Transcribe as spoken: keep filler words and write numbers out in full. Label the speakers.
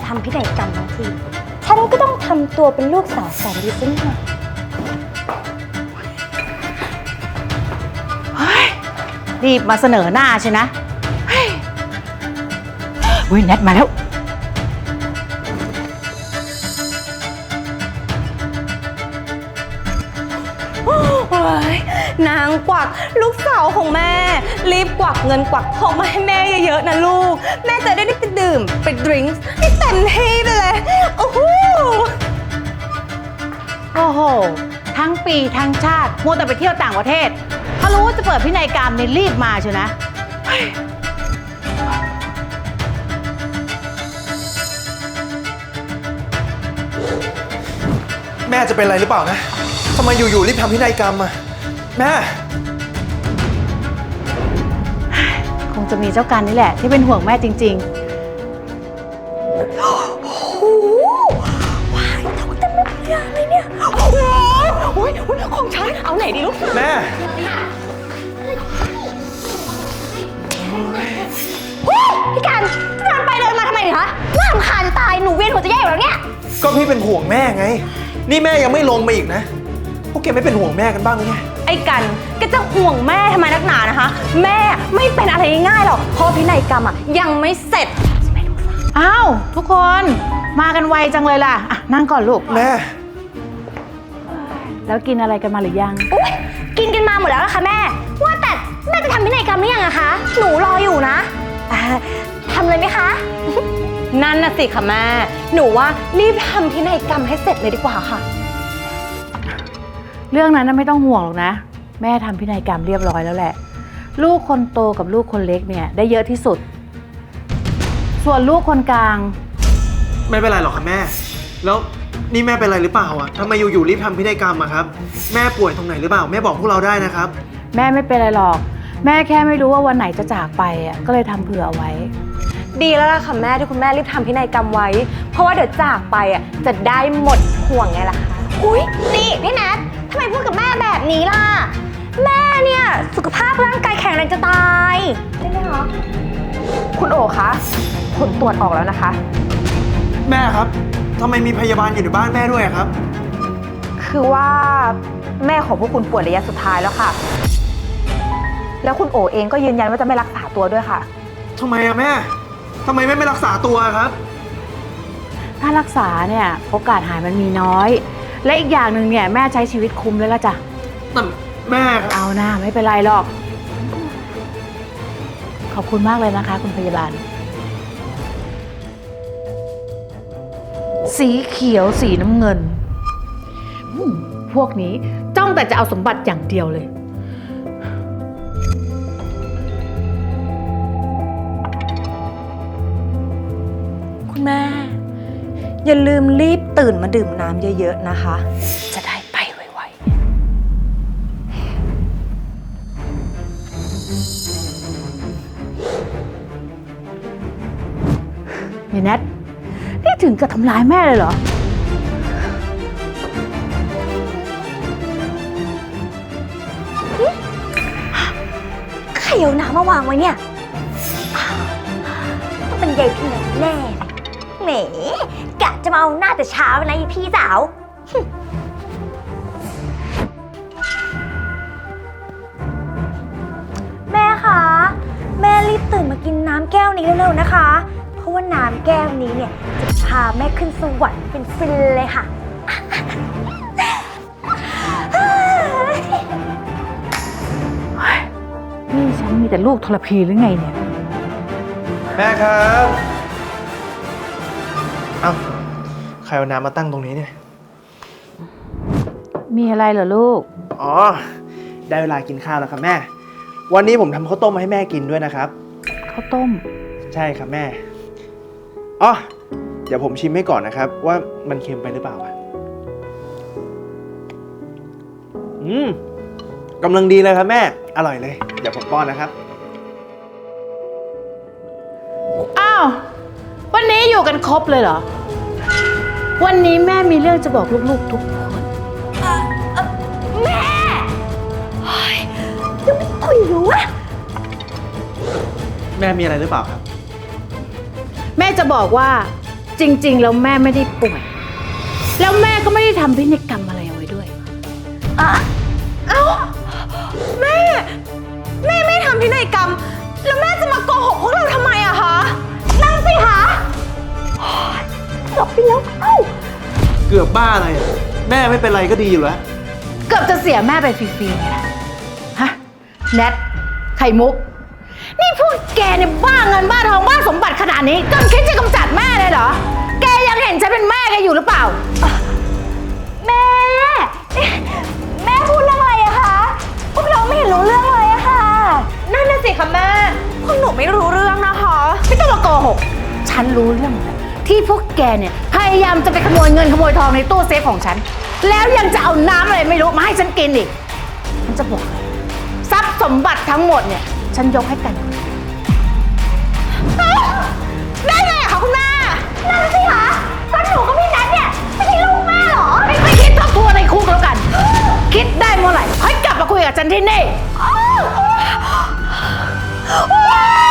Speaker 1: ทำพินัยกรรมทั้งทีฉันก็ต้องทำตัวเป็นลูกสาวแสนดีสักหน่อย
Speaker 2: รีบมาเสนอหน้าใช่นะอุ้ยแนทมาแล้ว
Speaker 1: นางกวักลูกสาวของแม่รีบกวักเงินกวักทองมาให้แม่เยอะๆนะลูกแม่จะได้ไปดื่มไปดริงก์ให้เต็มที่ไปเลยโอ้โห
Speaker 2: โอ้โหทั้งปีทั้งชาติมัวแต่ไปเที่ยวต่างประเทศเขารู้ว่าจะเปิดพินัยกรรมเนี่ยรีบมาเชียวนะ
Speaker 3: แม่จะเป็นอะไรหรือเปล่านะทำไมอยู่ๆรีบทำพินัยกรรมอะแม่
Speaker 2: คงจะมีเจ้ากันนี่แหละที่เป็นห่วงแม่จริง
Speaker 1: ๆโอ้โหว้ายทำเต็มเลยอะไรเนี่ยโอ้โหโอ้ยของฉันเอาไหนดีลูก
Speaker 3: แม่
Speaker 1: พี่กันเดินไปเดินมาทำไมคะน่ารำคาญจะตายหนูเวียนหัวจะแย่อยู่แล้วเนี่ย
Speaker 3: ก็พี่เป็นห่วงแม่ไงนี่แม่ยังไม่ลงมาอีกนะพวกแกไม่เป็นห่วงแม่กันบ้างหรือไง
Speaker 1: ไอ้กันแกจะห่วงแม่ทำไมนักหนานะคะแม่ไม่เป็นอะไรง่ายหรอกเพราะพินัยกรรมอ่ะยังไม่เสร็จ
Speaker 2: อ้าวทุกคนมากันไวจังเลยล่ะอ่ะนั่งก่อนลูก
Speaker 3: แม่
Speaker 2: แล้วกินอะไรกันมาหรือยัง
Speaker 1: อุ๊ยกินกันมาหมดแล้วนะคะแม่ว่าแต่แม่จะทำพินัยกรรมหรือยังอะคะหนูรออยู่นะทำเลยไหมคะนั่นน่ะสิค่ะแม่หนูว่ารีบทำพินัยกรรมให้เสร็จเลยดีกว่าค่ะ
Speaker 2: เรื่องนั้นไม่ต้องห่วงหรอกนะแม่ทำพินัยกรรมเรียบร้อยแล้วแหละลูกคนโตกับลูกคนเล็กเนี่ยได้เยอะที่สุดส่วนลูกคนกลาง
Speaker 3: ไม่เป็นไรหรอกค่ะแม่แล้วนี่แม่เป็นอะไรหรือเปล่าอ่ะทำไมอยู่ๆรีบทำพินัยกรรมอะครับแม่ป่วยตรงไหนหรือเปล่าแม่บอกพวกเราได้นะครับ
Speaker 2: แม่ไม่เป็นไรหรอกแม่แค่ไม่รู้ว่าวันไหนจะจากไปอ่ะก็เลยทำเผื่อเอาไว้
Speaker 1: ดีแล้วล่ะค่ะแม่ที่คุณแม่รีบทำพินัยกรรมไว้เพราะว่าเดี๋ยวจากไปอ่ะจะได้หมดห่วงไงล่ะคะอุ๊ยนี่พี่แนททำไมพูดกับแม่แบบนี้ล่ะแม่เนี่ยสุขภาพร่างกายแข็งแรงจะตายใช่ไหมคะคุณโอคะผลตรวจออกแล้วนะคะ
Speaker 3: แม่ครับทำไมมีพยาบาลอยู่ในบ้านแม่ด้วยครับ
Speaker 1: คือว่าแม่ของพวกคุณป่วยระยะสุดท้ายแล้วค่ะแล้วคุณโอเองก็ยืนยันว่าจะไม่รักษาตัวด้วยค่ะ
Speaker 3: ทำไมอะแม่ทำไมแม่ไม่รักษาตัวครับ
Speaker 2: ถ้ารักษาเนี่ยโอกาสหายมันมีน้อยและอีกอย่างหนึ่งเนี่ยแม่ใช้ชีวิตคุ้มเลยละจ้ะ
Speaker 3: แต่แม่
Speaker 2: เอาหน้าไม่เป็นไรหรอกขอบคุณมากเลยนะคะคุณพยาบาลสีเขียวสีน้ำเงินพวกนี้จ้องแต่จะเอาสมบัติอย่างเดียวเลย
Speaker 1: คุณแม่อย่าลืมรีบตื่นมาดื่มน้ำเยอะๆนะคะจะได้ไปไว
Speaker 2: ๆนี่แนทนี่ถึงกับทำร้ายแม่เลยเหรอ
Speaker 1: ใครเอาน้ำมาวางไว้เนี่ยต้องเป็นยายพี่แน่แหมกะจะมาเอาหน้าแต่เช้านะยายพี่สาวแม่คะแม่รีบตื่นมากินน้ำแก้วนี้เร็วๆนะคะเพราะว่าน้ำแก้วนี้เนี่ยจะพาแม่ขึ้นสวรรค์เป็นฟินเลยค่ะ
Speaker 2: นี่ฉันมีแต่ลูกทรพีหรือไงเนี่ย
Speaker 3: แม่ครับเอ้าใครเอาน้ำมาตั้งตรงนี้เนี่ย
Speaker 2: มีอะไรเหรอลูก
Speaker 3: อ๋อได้เวลากินข้าวแล้วครับแม่วันนี้ผมทำข้าวต้มมาให้แม่กินด้วยนะครับ
Speaker 2: ข้าวต้ม
Speaker 3: ใช่ครับแม่อ๋อเดี๋ยวผมชิมให้ก่อนนะครับว่ามันเค็มไปหรือเปล่าอืมกำลังดีเลยครับแม่อร่อยเลยเดี๋ยวผมป้อนนะครับ
Speaker 2: อ้าววันนี้อยู่กันครบเลยเหรอวันนี้แม่มีเรื่องจะบอกลูกๆทุกคน
Speaker 1: แม่เฮ้ยยังไม่คุยรู้อะ
Speaker 3: แม่มีอะไรหรือเปล่าครับ
Speaker 2: แม่จะบอกว่าจริงๆแล้วแม่ไม่ได้ป่วย แล้วแม่ก็ไม่ได้ทำพินัยกรรมอะไรเอาไว้ด้วย
Speaker 1: อะเอ้าแม่ แม่ไม่ทำพินัยกรรม แล้วแม่จะมาโกหกพวกเราทำไมอะคะนั่งสิคะจบไปแล้วเอ้า
Speaker 3: เกือบบ้าอะไรอะแม่ไม่เป็นไรก็ดีอยู่แล้ว
Speaker 2: เกือบจะเสียแม่ไปฟรีๆไงล่ะฮะแนทไข่มุก นี่พวกแกเนี่ยบ้าเงินบ้าทองบ้าสมบัติขนาดนี้จนคิดจะกำจัดแม่เลยเหรอ แกยังเห็นฉันเป็นแม่แกอยู่หรือเปล่า
Speaker 1: แม่ แม่พูดเรื่องอะไรอะคะ พวกเราไม่เห็นรู้เรื่องเลยอะค่ะ นั่นน่ะสิคะแม่ พวกหนูไม่รู้เรื่องนะคะ
Speaker 2: ไม่ต้องมาโกหก ฉันรู้เรื่องหมดแล้วที่พวกแกเนี่ยพยายามจะไปขโมยเงินขโมยทองในตู้เซฟของฉัน แล้วยังจะเอาน้ำอะไรไม่รู้มาให้ฉันกินอีก ฉันจะบอกเลยทรัพย์สมบัติทั้งหมดเนี่ย ฉันยกให้กัน
Speaker 1: ได้ไงอะคะคุณแม่ นั่นสิคะก็หนูกับพี่นัทเนี่ยไม่ใช่ลูกแม่เหรอ
Speaker 2: ไม่ไปคิดทบทวนในคุกแล้วกัน คิดได้เมื่อไหร่ค่อยกลับมาคุยกับฉันที่นี่
Speaker 1: ว้าว